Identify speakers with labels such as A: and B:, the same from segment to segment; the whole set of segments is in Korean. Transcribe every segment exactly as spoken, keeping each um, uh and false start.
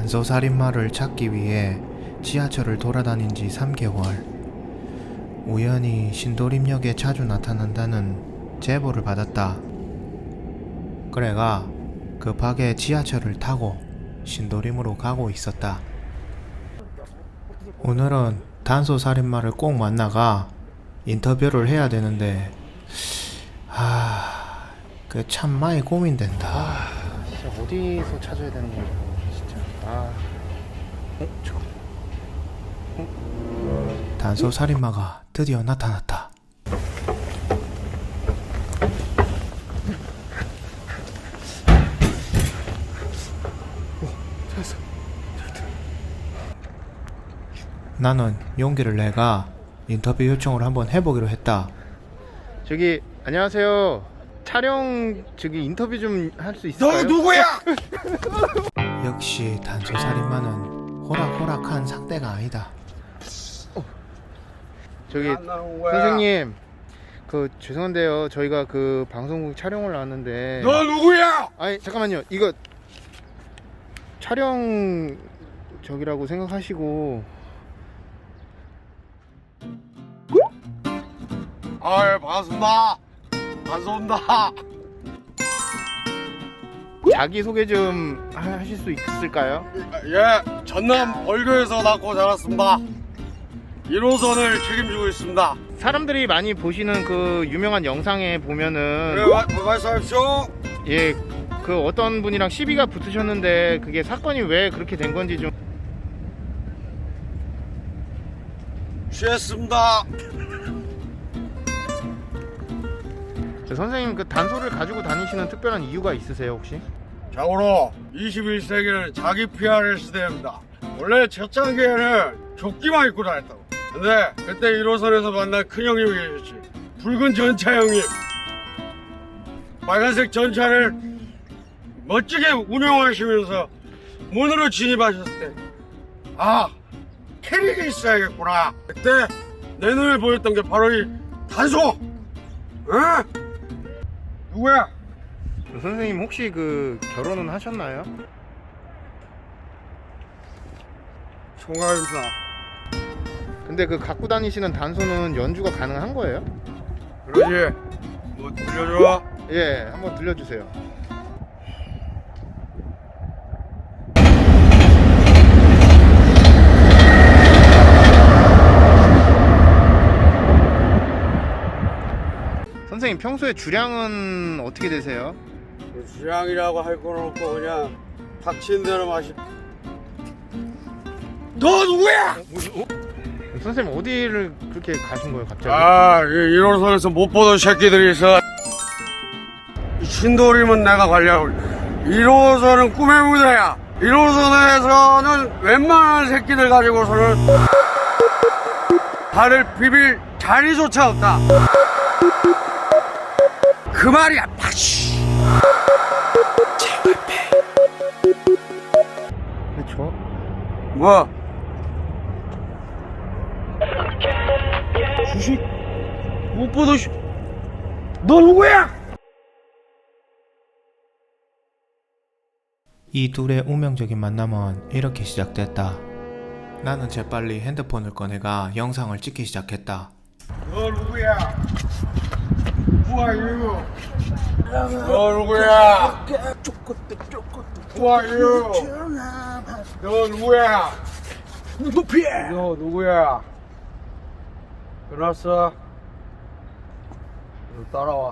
A: 단소살인마를 찾기 위해 지하철을 돌아다닌 지 삼 개월. 우연히 신도림역에 자주 나타난다는 제보를 받았다. 그래가 급하게 지하철을 타고 신도림으로 가고 있었다. 오늘은 단소살인마를 꼭 만나가 인터뷰를 해야 되는데 하... 그 참 많이 고민된다.
B: 아, 진짜 어디서 찾아야 되는 건지 진짜. 아, 어, 저, 어?
A: 단소살인마가 드디어 나타났다.
B: 찾았어.
A: 나는 용기를 내가 인터뷰 요청을 한번 해보기로 했다.
B: 저기 안녕하세요. 촬영 저기 인터뷰 좀 할 수 있을까요?
C: 너 누구야?
A: 역시 단소살인마는 호락호락한 상대가 아니다.
B: 저기 선생님, 그 죄송한데요. 저희가 그 방송국 촬영을 나왔는데.
C: 너 누구야?
B: 아니 잠깐만요. 이거 촬영 저기라고 생각하시고.
C: 아이 반갑습니다. 반갑습니다.
B: 자기 소개 좀 하- 하실 수 있을까요?
C: 예, 전남 벌교에서 낳고 자랐습니다. 일 호선을 책임지고 있습니다.
B: 사람들이 많이 보시는 그 유명한 영상에 보면은
C: 예, 마, 말씀하십시오.
B: 예, 그 어떤 분이랑 시비가 붙으셨는데 그게 사건이 왜 그렇게 된 건지 좀.
C: 취했습니다.
B: 선생님, 그 단소를 가지고 다니시는 특별한 이유가 있으세요 혹시?
C: 자고로 이십일 세기는 자기 피아르 시대입니다. 원래 초창기에는 조끼만 입고 다녔다고. 근데 그때 일 호선에서 만난 큰형님이 계셨지. 붉은 전차 형님. 빨간색 전차를 멋지게 운영하시면서 문으로 진입하셨을 때, 아, 캐릭이 있어야겠구나. 그때 내 눈에 보였던 게 바로 이 단소. 응? 누구야?
B: 선생님 혹시 그 결혼은 하셨나요?
C: 총각입니다.
B: 근데 그 갖고 다니시는 단소는 연주가 가능한 거예요?
C: 그러지. 뭐 들려줘?
B: 예, 한번 들려주세요. 선생님 평소에 주량은 어떻게 되세요?
C: 주량이라고 할 건 없고 그냥 닥친 대로 마시. 너 누구야?
B: 어? 선생님 어디를 그렇게 가신 거예요 갑자기?
C: 아, 일 호선에서 못 보던 새끼들이 있어. 신도림은 내가 관리하고, 일 호선은 꿈의 무대야. 일 호선에서는 웬만한 새끼들 가지고서는 발을 비빌 자리조차 없다. 그 말이야, 파시.
B: 그렇죠.
C: 뭐? 주식 못 보던 씨. 너 누구야?
A: 이 둘의 운명적인 만남은 이렇게 시작됐다. 나는 재빨리 핸드폰을 꺼내가 영상을 찍기 시작했다.
C: 너 누구야? Who are you? 너 누구야? Who are you? 너 누구야? 너 누구야? 끝났어? 너 따라와.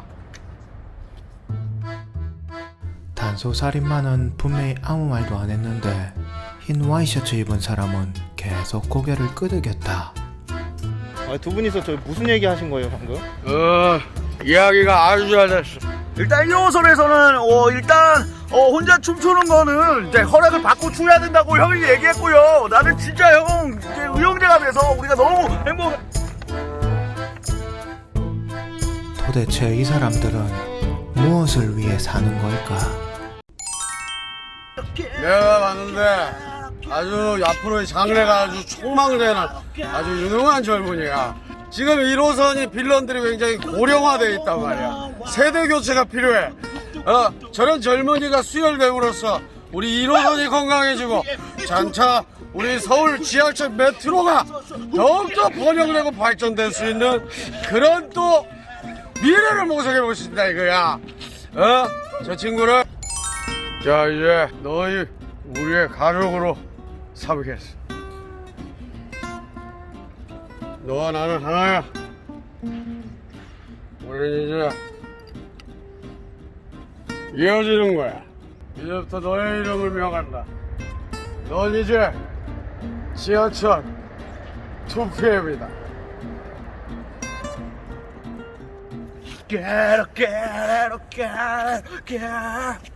A: 단소살인마는 분명히 아무 말도 안 했는데 흰 와이셔츠 입은 사람은 계속 고개를 끄덕였다.
B: 아, 두 분이서 저 무슨 얘기 하신 거예요 방금?
C: 어, 이야기가 아주 잘 됐어.
D: 일단 일 호선에서는 어 일단 어 혼자 춤추는 거는 이제 허락을 받고 춰야 된다고 형이 얘기했고요. 나는 진짜 형 이제 의형제가 돼서 우리가 너무 행복.
A: 도대체 이 사람들은 무엇을 위해 사는 걸까?
C: 내가 봤는데 아주 앞으로의 장래가 아주 촉망되는 아주 유능한 젊은이야. 지금 일 호선이 빌런들이 굉장히 고령화되어 있단 말이야. 세대 교체가 필요해. 어, 저런 젊은이가 수혈됨으로써 우리 일 호선이 건강해지고 장차 우리 서울 지하철 메트로가 더욱더 번영되고 발전될 수 있는 그런 또 미래를 모색해 볼 수 있다 이거야. 어? 저 친구를 자 이제 너희 우리의 가족으로 삼겠어. 너와 나는 하나야. 우리는 이제 이어지는 거야. 이제부터 너의 이름을 명한다. 넌 이제 지하철 투피엠이다.
D: Get it, get it, get it, get it.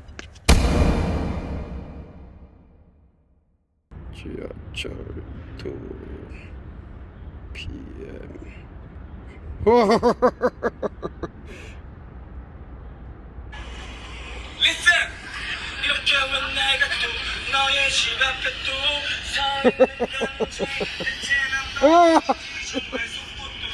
C: 지하철 투피엠.
E: Listen! 이렇게 왜 내가 또 너의 집 앞에 또 서 있는 건지 이제는 너